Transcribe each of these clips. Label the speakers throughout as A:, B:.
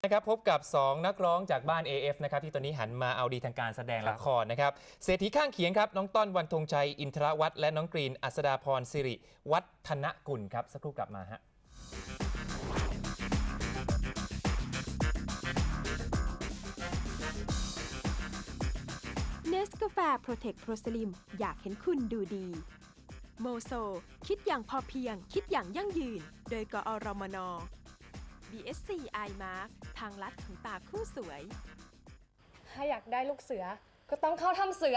A: นะครับพบกับ 2 นักร้องจากบ้าน AF นะครับที่ตอนนี้หันมาเอาดีทางการแสดงละครนะครับเศรษฐีข้างเคียงครับน้องต้นวันธงชัยอินทรวัฒน์และน้องกรีนอัศดาพรสิริวัฒนกุลครับสักครู่กลับมาฮะ
B: เนสกาแฟโปรเทคโปรสลิมอยากเห็นคุณดูดีโมโซคิดอย่างพอเพียงคิดอย่างยั่งยืนโดยกอรมน BSC iMark ทางลัดของตาคู่สวย
C: ถ้าอยากได้ลูกเสือก็ต้องเข้าทำเสือ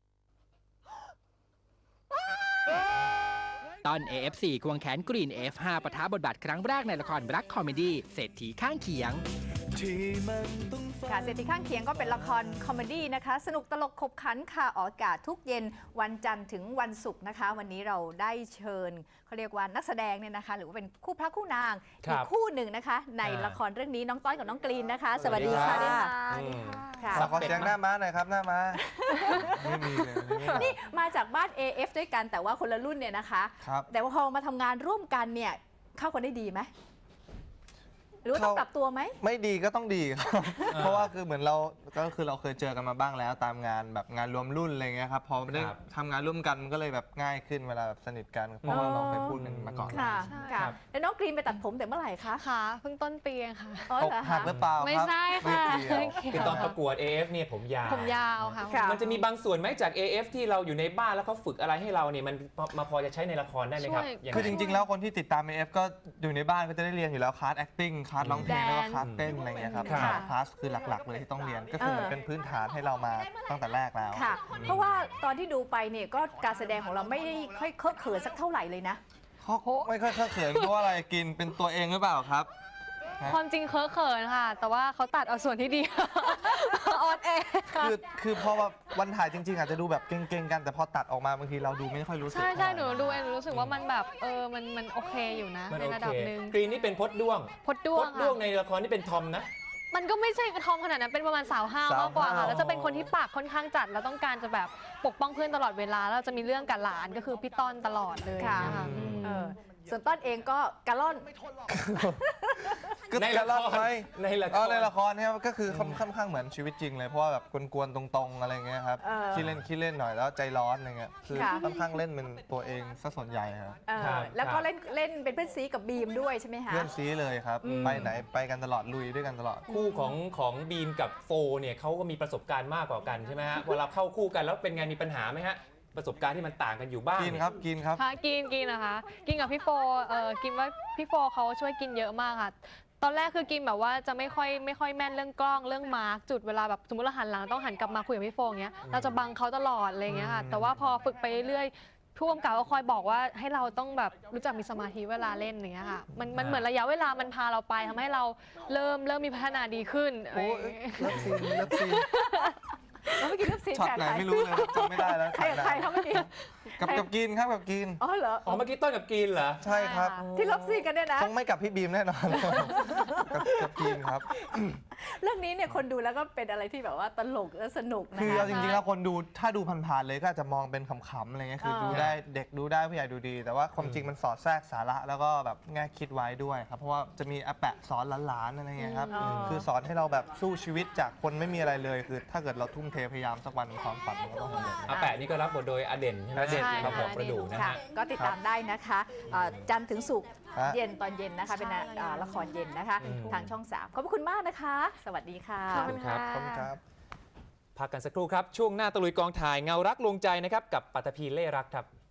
D: ตอน AF4 ควงแขนกรีน F5 ปะทะบทบาทครั้งแรกในละครรักคอมเมดี้เศรษฐีข้างเคียง
E: ค่ะเศรษฐีข้างเคียงก็เป็นละครคอมเมดี้นะคะสนุกตลกขบขันค่ะออกอากาศทุกเย็นวันจันทร์ถึงวันศุกร์นะคะวันนี้เราได้เชิญเขาเรียกว่านักแสดงเนี่ยนะคะหรือว่าเป็นคู่พระคู่นางอีกคู่หนึ่งนะคะในละครเรื่องนี้น้องต้อยกับน้องกรีนนะคะสวัสดีค่ะ
F: ขอเสียงหน้าม้าหน่อยครับหน้าม้าไม่มีเลย
E: นี่มาจากบ้าน AF ด้วยกันแต่ว่าคนละรุ่นเนี่ยนะคะแต่ว่าพอมาทำงานร่วมกันเนี่ยเข้ากันได้ดีไหมหรือว่าต้องปรับตัวไหม
F: ไม่ดีก็ต้องดีครับเพราะว่าคือเหมือนเราเคยเจอกันมาบ้างแล้วตามงานแบบงานรวมรุ่นอะไรเงี้ยครับพอได้ทำงานร่วมกันมันก็เลยแบบง่ายขึ้นเวลาแบบสนิทกันเพราะว่าเราเคยพูดกันมาก่อน
E: ค่ะแล้วน้องกรีนไปตัดผมแต่เมื่อไหร่คะ
C: ค่ะเพิ่งต้นปีค่ะ
F: อกหักหรือเปล่า
C: ไม่ใช่ค่ะ
A: คือตอนประกวด AF เนี่ยผมยาว
C: ค่ะ
A: มันจะมีบางส่วนไหมจาก AF ที่เราอยู่ในบ้านแล้วเขาฝึกอะไรให้เราเนี่ยมันมาพอจะใช้ในละครได้ไหมครับ
F: คือจริงๆแล้วคนที่ติดตาม AF ก็อยู่ในบ้านก็จะได้เรียนอยู่แล้วคลาส acting คลาสร้องเพลงแล้วก็คลาสเต้นอะไรเงี้ยครับคลาสคือหลักๆเลยที่ต้องเรียนก็คือเหมือนเป็นพื้นฐานให้เรามาตั้งแต่แรกแล้ว
E: ค่ะเพราะว่าตอนที่ดูไปเนี่ยก็การแสดงของเราไม่ได้ค่อยเคอะเขินสักเท่าไหร่เลยนะ
F: ไม่ค่อยเขินเพราะอะไรกินเป็นตัวเองหรือเปล่าครับ
C: ความจริงเคอะเขินค่ะแต่ว่าเขาตัดเอาส่วนที่ดีออนแอร์
F: คือพอวันถ่ายจริงๆอาจจะดูแบบเก่งๆกันแต่พอตัดออกมาบางทีเราดูไม่ค่อยรู้สึก
C: ใช่หนูดูเองหนูรู้สึกว่ามันแบบมันโอเคอยู่นะในระดับหนึ่ง
A: กรีนนี่เป็นพดด้วงในละครนี่เป็นทอมนะ
C: มันก็ไม่ใช่ทอมขนาดนั้นเป็นประมาณสาวห้าวมากกว่าค่ะแล้วจะเป็นคนที่ปากค่อนข้างจัดแล้วต้องการจะแบบปกป้องเพื่อนตลอดเวลาแล้วจะมีเรื่องกับหลานก็คือพี่ต้นตลอดเลย
E: ค่ะส่วนต้นเองก็กะล่อน
A: ในละคร
F: ในละครเนี่ยก็คือค่อนข้างเหมือนชีวิตจริงเลยเพราะว่าแบบกวนๆตรงๆอะไรเงี้ยครับขี้เล่นหน่อยแล้วใจร้อนอะไรเงี้ยคือค่อนข้างเล่นเป็นตัวเองซะส่วนใหญ่ครับ
E: แล้วก็เล่นเป็นเพื่อนซีกับบีมด้วยใช่ไหมคะ
F: เพื่อนซีเลยครับไปไหนไปกันตลอดลุยด้วยกันตลอด
A: คู่ของบีมกับโฟเนี่ยเขาก็มีประสบการณ์มากกว่ากันใช่ไหมฮะเวลาเข้าคู่กันแล้วเป็นไงมีปัญหาไหมฮะประสบการณ์ที่มันต่างกันอยู่บ้าง
F: กินครับ
C: กินนะคะกินกับพี่โฟกินว่าพี่โฟเขาช่วยกินเยอะมากค่ะตอนแรกคือกินแบบว่าจะไม่ค่อยแม่นเรื่องกล้องเรื่องมาร์กจุดเวลาแบบสมมติเราหันหลังต้องหันกลับมาคุยกับพี่โฟอย่างเงี้ยเราจะบังเขาตลอดอะไรอย่างเงี้ยค่ะแต่ว่าพอฝึกไปเรื่อยผู้กำกับก็คอยบอกว่าให้เราต้องแบบรู้จักมีสมาธิเวลาเล่นอย่างเงี้ยค่ะมันเหมือนระยะเวลามันพาเราไปทำให้เราเริ่มมีพัฒนาดีขึ้น
F: โอ้เลิฟซีน
E: แล้วเมื่อกี้เลิฟซีน
F: ช็อตไหนไม่รู้เลยจำไม่ได้แล้ว
E: ใครเขาเมื่อกี้
F: กับกินครับกับกิน
E: อ๋อเหรอ
A: เมื่อกี้ต้นกับกินเหรอ
F: ใช่ครับ
E: ที่เลิฟซีนกันเนี่ยนะ
F: คงไม่กับพี่บีมแน่นอนกับกินครับ
E: เรื่องนี้เนี่ยคนดูแล้วก็เป็นอะไรที่แบบว่าตลกและสนุกนะ
F: คือจริงๆแล้วคนดูถ้าดูผ่านๆเลยก็อาจจะมองเป็นขำๆอะไรเงี้ยคือดูได้เด็กดูได้ผู้ใหญ่ดูดีแต่ว่าความจริงมันสอดแทรกสาระแล้วก็แบบแง่คิดไว้ด้วยครับเพราะว่าจะมีอาแปะสอนหลานๆอะไรเงี้ยครับคือสอนให้เราแบบสู้ชีวิตจากคนไม่มีอะไรเลยคือถ้าเกิดเราทุ่มเทพยายามสักวันความฝันมันก็ต้องสำเร็จ
A: อาแปะนี่ก็รับบทโดยอเด่นใช่ไหม
F: อเด่น
A: มาบอกประดูนะฮะ
E: ก็ติดตามได้นะคะจันทร์ถึงศุกร์เย็นตอนเย็นนะคะเป็นละครเย็นนะคะทางช่อง 3ขอบคุณมากนะคะสวัสดีค่ะ
A: ขอบคุณครับพักกันสักครู่ครับช่วงหน้าตะลุยกองถ่ายเงารักลวงใจนะครับกับปัตภีเล่รักครับ